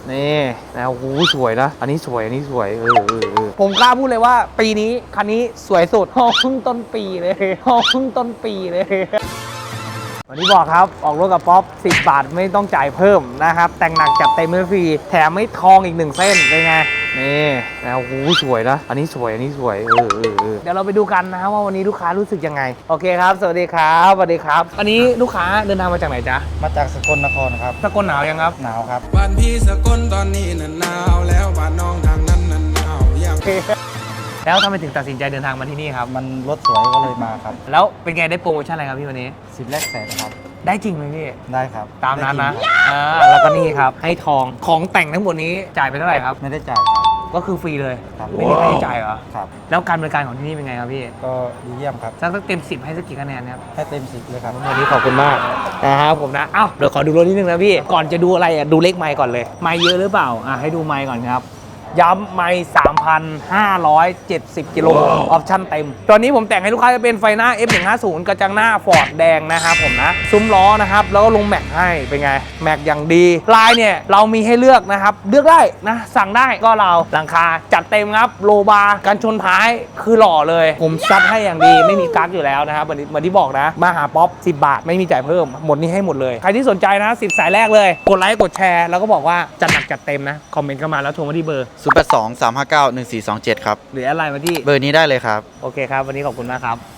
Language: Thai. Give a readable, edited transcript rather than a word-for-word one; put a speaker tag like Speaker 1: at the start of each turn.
Speaker 1: นี่นะโอ้โหสวยนะอันนี้สวยอันนี้สวยผมกล้าพูดเลยว่าปีนี้คันนี้สวยสุดห้องเพิ่งต้นปีเลยห้องเพิ่งต้นปีเลยวันนี้บอกครับออกรถกับป๊อป10 บาทไม่ต้องจ่ายเพิ่มนะครับแต่งหนักจัดเต็มไม่ฟรีแถมไม่ทองอีก1เส้นเป็นไงนี่นะโอ้โหสวยนะอันนี้สวยอันนี้สวยเดี๋ยวเราไปดูกันนะว่าวันนี้ลูกค้ารู้สึกยังไงโอเคครับสวัสดีครับสวัสดีครับอันนี้ลูกค้าเดินทางมาจากไหนจ๊ะ
Speaker 2: มาจากสกลนครครับ
Speaker 1: สกลหนาวยังครับ
Speaker 2: หนาวครับ
Speaker 3: บ้านพี่สกลตอนนี้หนาวแล้วบ้านน้องทางนั้นหนาวยัง
Speaker 1: แล้วทำไมถึงตัดสินใจเดินทางมาที่นี่ครับ
Speaker 2: มันรถสวยก็เลยมาครับ
Speaker 1: แล้วเป็นไงได้โปรโมชั่นอะไรครับพี่วันนี้
Speaker 2: 10 แรกแสนครับ
Speaker 1: ได้จริงไหมพี่
Speaker 2: ได้ครับ
Speaker 1: ตามนั้นนะแล้วก็นี่ครับให้ทองของแต่งทั้งหมดนี้จ่ายไปเท่าไหร่ครับ
Speaker 2: ไม่ได้จ่ายครับ
Speaker 1: ก็คือฟรีเลย
Speaker 2: ครับ
Speaker 1: ไม่มีค่าใช้จ่ายเหรอ
Speaker 2: ครับ
Speaker 1: แล้วการบริการของที่นี่เป็นไงครับพี่
Speaker 2: ก็ดีเยี่ยมครับ
Speaker 1: สักเต็ม10ให้สักกี่คะแนนครับ
Speaker 2: ให้เต็ม10เลยครับ
Speaker 1: วันนี้ขอบคุณมากนะครับผมนะเดี๋ยวขอดูรถนิดนึงนะพี่ก่อนจะดูอะไรดูเลขไมค์ก่อนเลยไมค์เยอะหรือเปล่าให้ดูไมค์ก่อนครับย้ำไมค์3,570 กิโลออปชั่นเต็มตอนนี้ผมแต่งให้ลูกค้าจะเป็นไฟหน้า F150 กระจังหน้าฟอร์ดแดงนะครับผมนะซุ้มล้อนะครับแล้วก็ลงแม็กให้เป็นไงแม็กอย่างดีลายเนี่ยเรามีให้เลือกนะครับเลือกได้นะสั่งได้ก็เราหลังคาจัดเต็มครับโลบาร์กันชนท้ายคือหล่อเลยผมซัดให้อย่างดีไม่มีกั๊กอยู่แล้วนะครับเหมือนที่บอกนะมาหาป๊อป10 บาทไม่มีจ่ายเพิ่มหมดนี้ให้หมดเลยใครที่สนใจนะ10 สายแรกเลยกดไลค์กดแชร์แล้วก็บอกว่าจัดหนักจัดเต็มนะคอมเมนต์เข้ามาแล้วโทรมาที่เบอร์
Speaker 4: 082 359 1427 ครับ
Speaker 1: หรืออะไรมาที่
Speaker 4: เบอร์นี้ได้เลยครับ
Speaker 1: โอเคครับวันนี้ขอบคุณมากครับ